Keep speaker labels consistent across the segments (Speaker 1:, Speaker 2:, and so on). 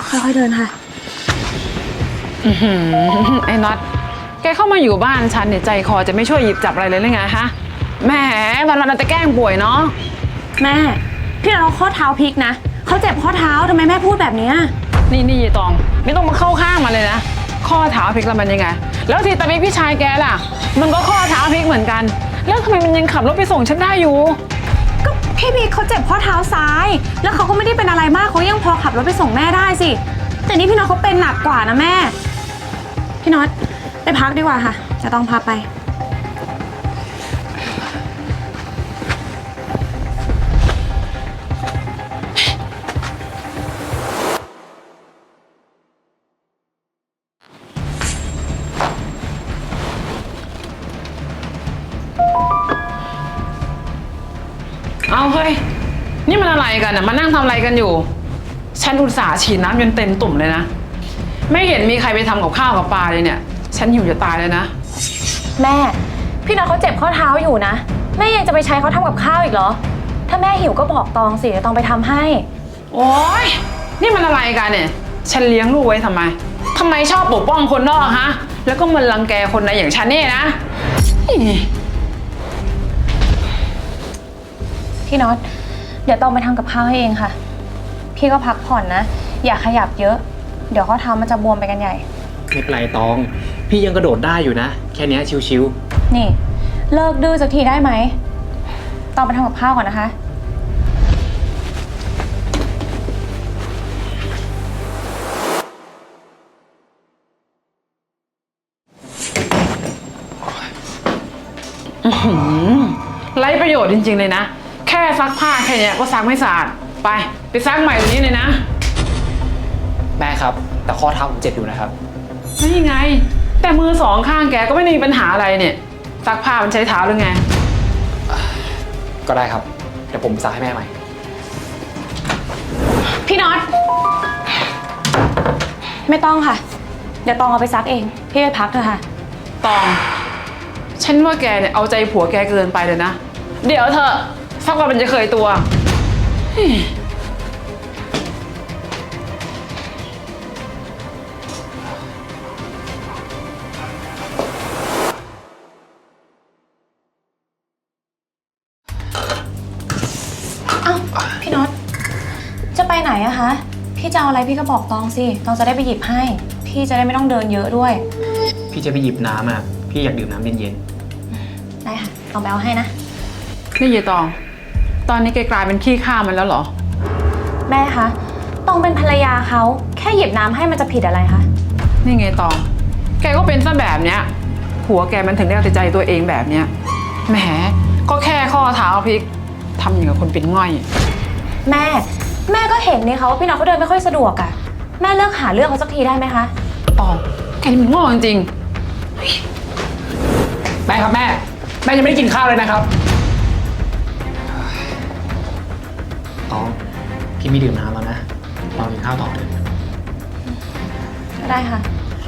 Speaker 1: ค่อยๆเดินค่ะ
Speaker 2: ไอ้น็อตแกเข้ามาอยู่บ้านฉันเนี่ยใจคอจะไม่ช่วยหยิบจับอะไรเลยหรือไงฮะแหมวันๆเราจะแกล้งป่วยเนาะ
Speaker 1: แม่พี่เราข้อเท้าพลิกนะเขาเจ็บข้อเท้าทำไมแม่พูดแบบนี้
Speaker 2: นี่ยายตองไม่ต้องมาเข้าข้างมาเลยนะข้อเท้าพลิกแล้วมันยังไงแล้วทีตามีพี่ชายแกล่ะมันก็ข้อเท้าพลิกเหมือนกันแล้วทำไมมันยังขับรถไปส่งฉันได้อยู่
Speaker 1: ก็พี่พีเขาเจ็บข้อเท้าซ้ายแล้วเขาก็ไม่ได้เป็นอะไรมากเขายังพอขับรถไปส่งแม่ได้สิแต่นี่พี่น็อตเขาเป็นหนักกว่านะแม่พี่น็อตไปพักดีกว่าค่ะจะต้องพาไป
Speaker 2: เอาเฮ้ยนี่มันอะไรกันอ่ะมานั่งทำอะไรกันอยู่ฉันอุตส่าห์ฉีดน้ำจนเต็มตุ่มเลยนะไม่เห็นมีใครไปทำกับข้าวกับปลาเลยเนี่ยฉันหิวจะตายเลยนะ
Speaker 1: แม่พี่น็อตเขาเจ็บข้อเท้าอยู่นะแม่ยังจะไปใช้เขาทำกับข้าวอีกเหรอถ้าแม่หิวก็บอกตองสิเดี๋ยวตองไปทำให้
Speaker 2: โอ๊ยนี่มันอะไรกันเนี่ยฉันเลี้ยงลูกไว้ทำไมชอบปกป้องคนนอกฮะแล้วก็มันรังแกคนในอย่างฉันเนี่ยนะ
Speaker 1: พี่น็อตเดี๋ยวตองไปทำกับข้าวให้เองค่ะพี่ก็พักผ่อนนะอย่าขยับเยอะเดี๋ยวข้อเท้ามันจะบวมไปกันใหญ่
Speaker 3: ไม่เป็นไรตองพี่ยังกระโดดได้อยู่นะแค่นี้ชิว
Speaker 1: ๆนี่เลิกดื้อสักทีได้ไหมตองไปทำกับข้าวก่อนนะคะ
Speaker 2: ไร้ประโยชน์จริงๆเลยนะแค่ซักผ้าแค่นี้ก็ซักไม่สะอาดไปซักใหม่ตรงนี้เลยนะ
Speaker 3: แม่ครับแต่ข้อเท้าผมเจ็บอยู่นะครับ
Speaker 2: นี่ไงแต่มือสองข้างแกก็ไม่ได้มีปัญหาอะไรเนี่ยซักผ้ามันใช้เท้าหรือไง
Speaker 3: ก็ได้ครับเดี๋ยวผมซักให้แม่ใหม่
Speaker 1: พี่น็อตไม่ต้องค่ะเดี๋ยวตองเอาไปซักเองพี่ไปพักเถอะค่ะ
Speaker 2: ตองฉันว่าแกเนี่ยเอาใจผัวแกเกินไปเลยนะเดี๋ยวเธอสักวันมันจะเคยตัว
Speaker 1: พี่น็อตจะไปไหนอะคะพี่จะเอาอะไรพี่ก็บอกตองสิตองจะได้ไปหยิบให้พี่จะได้ไม่ต้องเดินเยอะด้วย
Speaker 3: พี่จะไปหยิบน้ำอ่ะพี่อยากดื่มน้ำเย็น
Speaker 1: ๆได้ค่ะเอาไปเอาให้นะ
Speaker 2: นี่ยายตองตอนนี้แกกลายเป็นขี้ข้ามันแล้วเหรอ
Speaker 1: แม่คะตองเป็นภรรยาเขาแค่หยิบน้ำให้มันจะผิดอะไรคะ
Speaker 2: นี่ไงตองแกก็เป็นซะแบบเนี้ยผัวแกมันถึงได้เอาแต่ใจตัวเองแบบเนี้ยแหมก็แค่ข้อเท้าพลิกทำอย่างกับคนเป็นง่อย
Speaker 1: แม่ก็เห็นนี่เขาว่าพี่น้องเขาเดินไม่ค่อยสะดวกอะแม่เลิกหาเรื่องเขาสักทีได้ไหมคะ
Speaker 2: ตองแกนี่มันโง่จริง
Speaker 3: แม่ครับแม่ยังไม่ได้กินข้าวเลยนะครับตองพี่ไม่ดื่มน้ำแล้วนะเรากินข้าวต่อเถอะ
Speaker 1: ก็ได้ค่ะ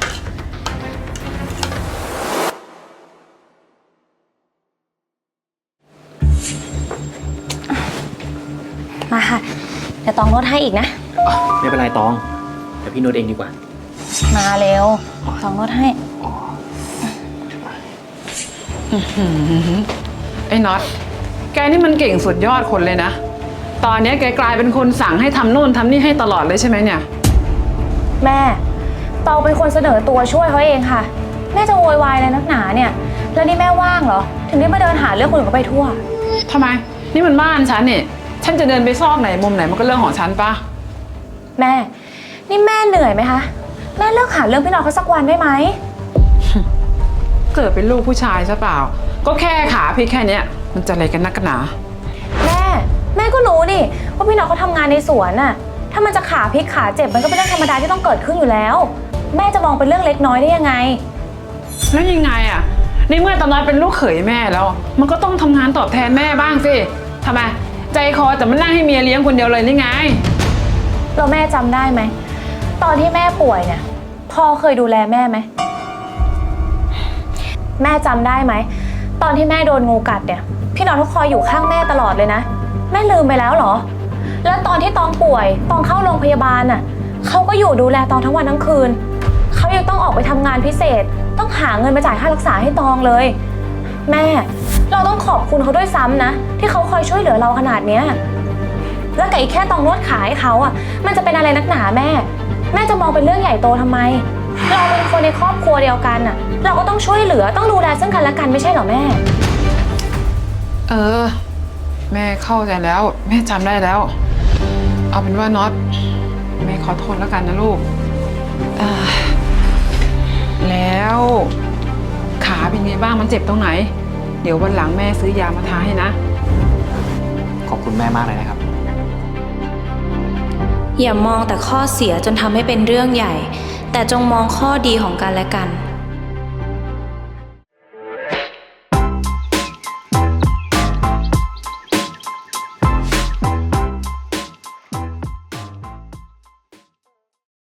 Speaker 1: มาค่ะเดี๋ยวตองนวดให้อีกนะ
Speaker 3: ไม่เป็นไรตองเดี๋ยวพี่นวดเองดีกว่า
Speaker 1: มาเร็วตองนวดให้
Speaker 2: ไอ้น็อตแกนี่มันเก่งสุดยอดคนเลยนะตอนนี้แกกลายเป็นคนสั่งให้ทำโน่นทำนี่ให้ตลอดเลยใช่ไหมเนี่ย
Speaker 1: แม่ตองเป็นคนเสนอตัวช่วยเขาเองค่ะแม่จะโวยวายอะไรนักหนาเนี่ยแล้วนี่แม่ว่างเหรอถึงได้มาเดินหาเรื่องคนอื่นเขาไปทั่ว
Speaker 2: ทำไมนี่มันบ้านฉันเนี่ยฉันจะเดินไปซอกไหนมุมไหนมันก็เรื่องของฉันปะ
Speaker 1: แม่นี่แม่เหนื่อยไหมคะแม่เลิกหาเรื่องพี่น้องเขาสักวันได้ไหม
Speaker 2: เกิดเป็นลูกผู้ชายใช่เปล่าก็แค่ขาพี่แค่นี้มันจะอะไรกันนักกันหนา
Speaker 1: แม่ก็รู้นี่ว่าพี่น้องเขาทำงานในสวนน่ะถ้ามันจะขาพลิกขาเจ็บมันก็เป็นเรื่องธรรมดาที่ต้องเกิดขึ้นอยู่แล้วแม่จะมองเป็นเรื่องเล็กน้อยได้ยังไง
Speaker 2: แล้วยังไงอ่ะในเมื่อตอนนั้นเป็นลูกเขยแม่แล้วมันก็ต้องทำงานตอบแทนแม่บ้างสิทำไมใจคอแต่มันนั่งให้เมียเลี้ยงคนเดียวเลยนี่ไง
Speaker 1: เราแม่จำได้ไหมตอนที่แม่ป่วยเนี่ยพ่อเคยดูแลแม่ไหมแม่จำได้ไหมตอนที่แม่โดนงูกัดเนี่ยพี่น้องทุกคอยอยู่ข้างแม่ตลอดเลยนะแม่ลืมไปแล้วเหรอแล้วตอนที่ตองป่วยตองเข้าโรงพยาบาลน่ะเขาก็อยู่ดูแลตองทั้งวันทั้งคืนเขายังต้องออกไปทำงานพิเศษ ต้องหาเงินมาจ่ายค่ารักษาให้ตองเลยแม่เราต้องขอบคุณเขาด้วยซ้ำนะที่เขาคอยช่วยเหลือเราขนาดเนี้ยแล้วกับอีกแค่ตองนวดขาให้เขาอ่ะมันจะเป็นอะไรนักหนาแม่จะมองเป็นเรื่องใหญ่โตทำไมเราเป็นคนในครอบครัวเดียวกันอ่ะเราก็ต้องช่วยเหลือต้องดูแลซึ่งกันและกันไม่ใช่เหรอแม่
Speaker 2: แม่เข้าใจแล้วแม่จำได้แล้ว เอาเป็นว่าน็อตแม่ขอโทษแล้วกันนะลูกแล้วขาเป็นไงบ้างมันเจ็บตรงไหนเดี๋ยววันหลังแม่ซื้อยามาทาให้นะ
Speaker 3: ขอบคุณแม่มากเลยนะครับ
Speaker 4: อย่ามองแต่ข้อเสียจนทำให้เป็นเรื่องใหญ่ แต่จงมองข้อดีของกันและกัน